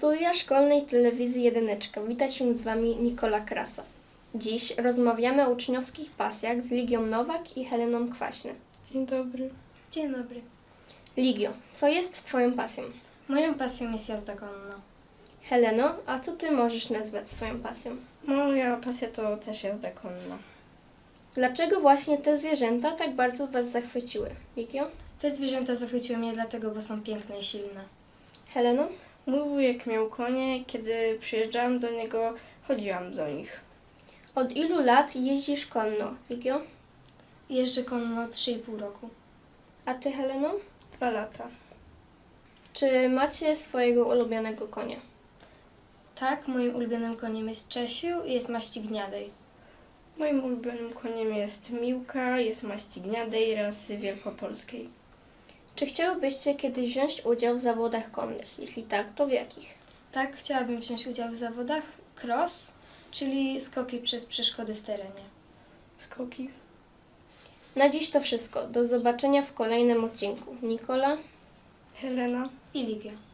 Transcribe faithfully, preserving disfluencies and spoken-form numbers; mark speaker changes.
Speaker 1: studia szkolnej telewizji Jedyneczka wita się z Wami Nikola Krasa. Dziś rozmawiamy o uczniowskich pasjach z Ligią Nowak i Heleną Kwaśny.
Speaker 2: Dzień dobry.
Speaker 3: Dzień dobry.
Speaker 1: Ligio, co jest Twoją pasją?
Speaker 3: Moją pasją jest jazda konna.
Speaker 1: Heleno, a co Ty możesz nazwać swoją pasją?
Speaker 2: Moja pasja to też jazda konna.
Speaker 1: Dlaczego właśnie te zwierzęta tak bardzo Was zachwyciły? Ligio?
Speaker 3: Te zwierzęta zachwyciły mnie dlatego, bo są piękne i silne.
Speaker 1: Heleno?
Speaker 2: Mój wujek miał konie, kiedy przyjeżdżałam do niego, chodziłam do nich.
Speaker 1: Od ilu lat jeździsz konno? Ligio?
Speaker 3: Jeżdżę konno trzy i pół roku.
Speaker 1: A Ty, Heleno?
Speaker 2: Dwa lata.
Speaker 1: Czy macie swojego ulubionego konia?
Speaker 3: Tak, moim ulubionym koniem jest Czesiu i jest maści gniadej.
Speaker 2: Moim ulubionym koniem jest Miłka, jest maści gniadej, rasy wielkopolskiej.
Speaker 1: Czy chciałybyście kiedyś wziąć udział w zawodach konnych? Jeśli tak, to w jakich?
Speaker 3: Tak, chciałabym wziąć udział w zawodach cross, czyli skoki przez przeszkody w terenie.
Speaker 2: Skoki.
Speaker 1: Na dziś to wszystko. Do zobaczenia w kolejnym odcinku. Nikola.
Speaker 2: Helena.
Speaker 3: I Ligia.